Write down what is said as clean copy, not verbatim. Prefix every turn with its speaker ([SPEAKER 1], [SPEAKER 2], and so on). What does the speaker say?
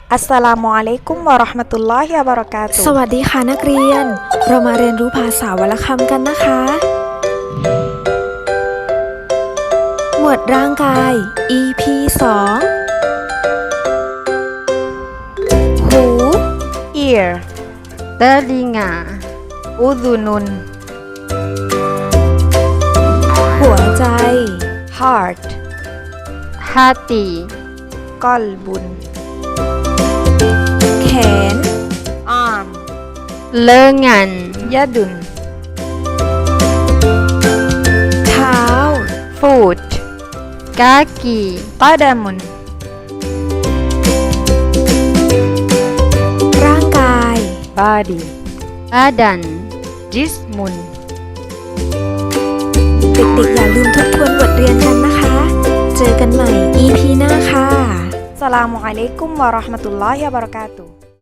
[SPEAKER 1] อัสสลามุอะลัยกุมวะเราะห์มะตุลลอฮิวะบะเราะกาตุฮ์
[SPEAKER 2] สวัสดีค่ะนักเรียน เรามาเรียนรู้ภาษาวรรณคำกันนะคะ หมวดร่างกาย EP 2 หู
[SPEAKER 1] ear
[SPEAKER 3] telinga,
[SPEAKER 1] udhunun
[SPEAKER 2] หัวใจ
[SPEAKER 1] heart
[SPEAKER 3] hati,
[SPEAKER 1] qalbun
[SPEAKER 2] แขน
[SPEAKER 1] arm
[SPEAKER 3] lengan,
[SPEAKER 1] yadun
[SPEAKER 2] เท้า
[SPEAKER 1] foot
[SPEAKER 3] kaki,
[SPEAKER 1] qadamun
[SPEAKER 2] ร่างกาย
[SPEAKER 1] body
[SPEAKER 3] badan.
[SPEAKER 1] jismun
[SPEAKER 2] เด็กๆอย่าลืมทบทวนบทเรียนกันนะคะ เจอกันใหม่ EP หน้าค่ะ
[SPEAKER 1] อัสสลามุอะลัยกุมวะเราะห์มะตุลลอฮิวะบะเราะกาตุฮ์